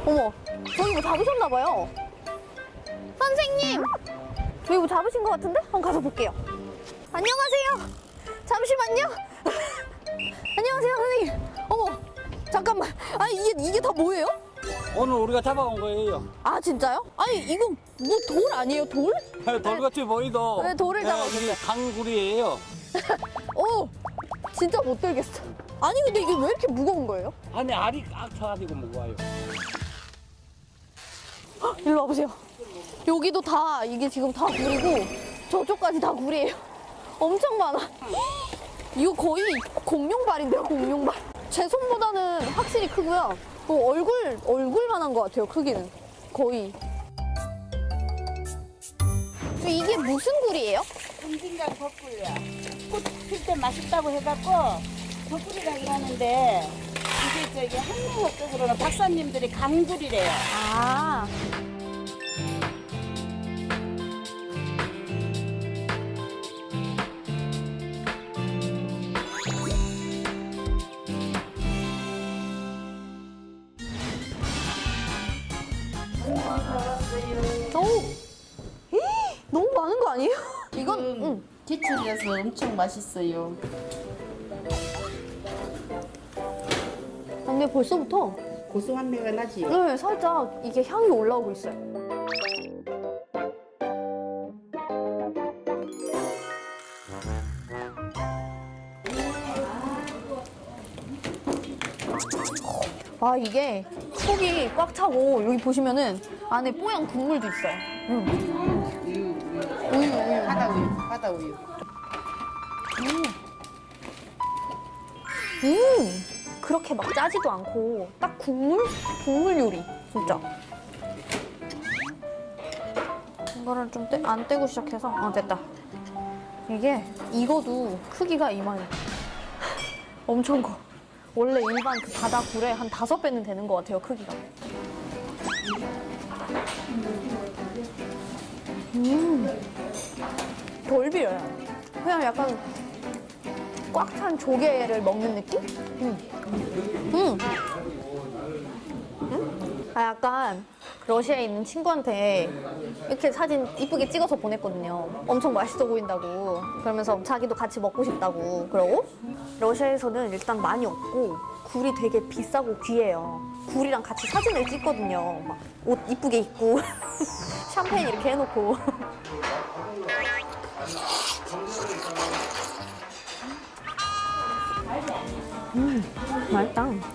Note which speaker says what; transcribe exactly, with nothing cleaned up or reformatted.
Speaker 1: 어머, 저기 뭐 잡으셨나봐요. 선생님! 저기 뭐 잡으신 것 같은데? 한번 가서 볼게요. 안녕하세요. 잠시만요. 안녕하세요, 선생님. 어머, 잠깐만. 아니, 이게, 이게 다 뭐예요?
Speaker 2: 오늘 우리가 잡아온 거예요.
Speaker 1: 아, 진짜요? 아니, 이거 뭐 돌 아니에요, 돌?
Speaker 2: 돌같이 보이도.
Speaker 1: 네, 돌을 잡아왔어요.
Speaker 2: 이게 강구리예요.
Speaker 1: 오, 진짜 못 들겠어. 아니, 근데 이게 왜 이렇게 무거운 거예요?
Speaker 2: 안에 알이 꽉 차가지고 무거워요.
Speaker 1: 헉, 일로 와보세요. 여기도 다, 이게 지금 다 굴이고, 저쪽까지 다 굴이에요. 엄청 많아. 이거 거의 공룡발인데요, 공룡발. 제 손보다는 확실히 크고요. 어, 얼굴, 얼굴만한 것 같아요, 크기는. 거의. 이게 무슨 굴이에요?
Speaker 3: 응진강 덕굴이야. 꽃 필 때 맛있다고 해갖고 덕굴이라고 하는데 이게 저기 한민학적으로는 박사님들이 강굴이래요.
Speaker 1: 아. 오! 너무 많은 거 아니에요? 이건, 응.
Speaker 3: 제철이라서 엄청 맛있어요.
Speaker 1: 아, 근데 벌써부터
Speaker 3: 고소한 내가 나지.
Speaker 1: 네, 살짝 이게 향이 올라오고 있어요. 와, 이게 속이 꽉 차고 여기 보시면은 안에 뽀얀 국물도 있어요. 음.
Speaker 3: 우유, 우유.
Speaker 1: 우유, 우유.
Speaker 3: 바다 우유, 바다 우유.
Speaker 1: 음, 그렇게 막 짜지도 않고 딱 국물? 국물 요리, 진짜. 이거를 좀 안 떼고 시작해서 어, 됐다. 이게 익어도 크기가 이만해. 엄청 커. 원래 일반 그 바다 굴의 한 다섯 배는 되는 것 같아요, 크기가. 음, 덜 비려요. 그냥 약간 꽉 찬 조개를 먹는 느낌? 음. 음. 음? 아, 약간 러시아에 있는 친구한테 이렇게 사진 이쁘게 찍어서 보냈거든요. 엄청 맛있어 보인다고. 그러면서 자기도 같이 먹고 싶다고. 그러고 러시아에서는 일단 많이 없고 굴이 되게 비싸고 귀해요. 굴이랑 같이 사진을 찍거든요. 막 옷 이쁘게 입고 샴페인 이렇게 해놓고. 음, 맛있다.